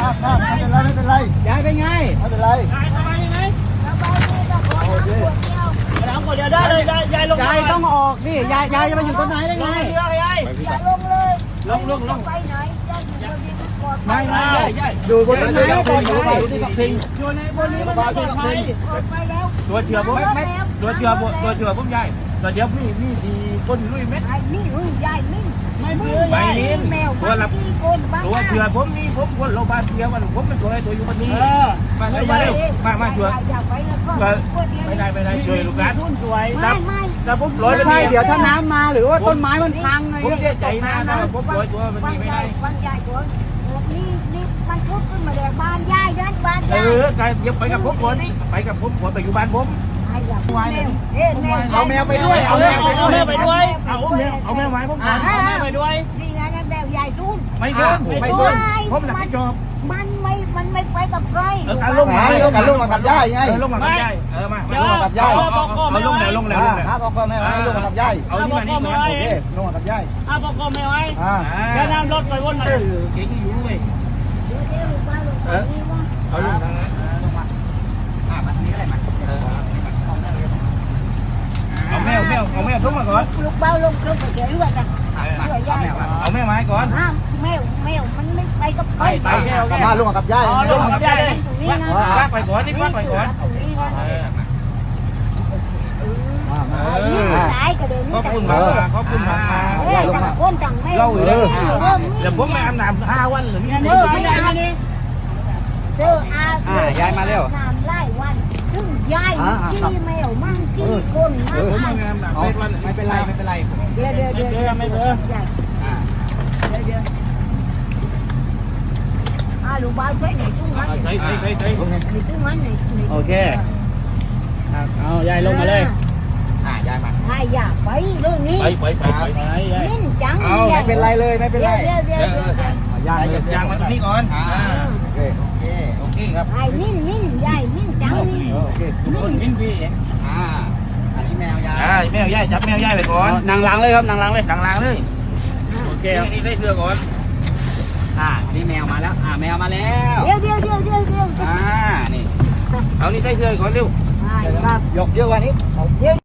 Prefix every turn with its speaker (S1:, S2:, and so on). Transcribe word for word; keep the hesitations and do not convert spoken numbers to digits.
S1: ครับครับไม่เป็นไรไม่เป็นไรยายเป็นไงไม่เป็นไรยายสบายยังไงสบายดีครับโอเคน้ำขวดเดียวได้เลยยายลงยายต้องออกสิยายยายจะมาอยู่ต้นไหนได้ไงเรือยายอย่าลงเลยลงลงลงไปไหนไม่ไม่อยู่บนนี้อยู่บนนี้ปักพิงอยู่ในบนนี้มันปลอดภัยไปแล้วตัวเชือผมไม่ตัวเชือผมตัวเชือผมใหญ่ตัวเดียวมีมีดีคนลุยเม็ดนี่ลุยใหญ่นี่ไม่เบื่อใหญ่แมวตัวละตัวเชือผมนี่ผมคนโรงพยาบาลเชือมันผมเป็นตัวไอ้ตัวอยู่บนนี้มาเร็วมาเร็วมามาช่วยไม่ได้ไม่ได้ช่วยลูกหลานไม่ไม่แต่ผมลอยไปเดี๋ยวถ้าน้ำมาหรือว่าต้นไม้มันพังไงผมเสียใจนะผมลอยตัวมันนี่ไม่ได้บ้านใหญ่ตัวนี่นี่มันพุดขึ้นมาแดกบ้านใหญ่เดินบ้านใหญ่เออไปไปกับผมก่อนนี่ไปกับผมก่อนไปอยู่บ้านผมเอาแมวไปด้วยเอาแมวไปด้วยไปด้วยเอาแมวเอาแมวไว้ผมก่อนเอาแมวไปด้วยนี่นะแมวใหญ่ทุ่นไม่เดินไม่เดินผมหลับไม่จบมันไม่มันไม่ไปกับใครเออการลงมาการลงมากับย่ายไงลงมากับย่ายเออมาลงมากับย่ายเอาลงแล้วลงแล้วครับพ่อแม่ไว้ลงมากับย่ายเอานี่มานี่มาโอเคลงมากับย่ายอ่ะพ่อพ่อแม่ไว้อ่าแค่น้ำรถไปวนมาเก่งอยู่ด้วยเออเอาลงทางนั้นลงมาอ่ามาทางนี้อะไรมาเอาแมวแมวเอาแมวทุกมาก่อนลูกเบ้าลงลงไปเดี๋ยวด้วยกันเอาแมวมาให้ก่อนแมวแมวมันไม่ไปกับไปไปมาลงกับย่ายลงกับย่ายลากไปก่อนนี่ลากไปก่อนขอบคุณมากขอบคุณมากคนจังแม่เราเลยเดี๋ยวผมไม่อาบน้ำห้าวันหรือไม่ได้ไม่ได้นี่เจออาย้ายมาเร็วน้ำไล่วันซึ่งย้ายขี้แมวมั่งขี้คนมั่งไม่เป็นไรไม่เป็นไรเดี๋ยวเดี๋ยวเดี๋ยวไม่เบื่อเดี๋ยวเดี๋ยวอาลูกบ้านใช้ไหนตู้มันใช้ใช้ใช้ใช้ตู้มันไหนโอเคเอาย้ายลงมาเลยอ่ายายมาอ่าอย่าไปเรื่องนี้ไปไปไปไปนิ่งจังเอาไม่เป็นไรเลยไม่เป็นไรเดี๋ยวเดี๋ยวเดี๋ยวยายยางมาตรงนี้ก่อนอ่าโอเคโอเคโอเคครับไอ้นิ่งนิ่งยายนิ่งจังนี่โอเคทุกคนนิ่งพี่อ่าอันนี้แมวยายอ่าแมวยายจับแมวยายไปก่อนนางล้างเลยครับนางล้างเลยนางล้างเลยโอเคนี่ได้เสื้อก่อนอ่านี่แมวมาแล้วอ่าแมวมาแล้วเดี๋ยวเดี๋ยวเดี๋ยวเดี๋ยวเดี๋ยวอ่านี่เอานี่ได้เสื้อก่อนเร็ว ยกเยอะกว่านี้เยอะ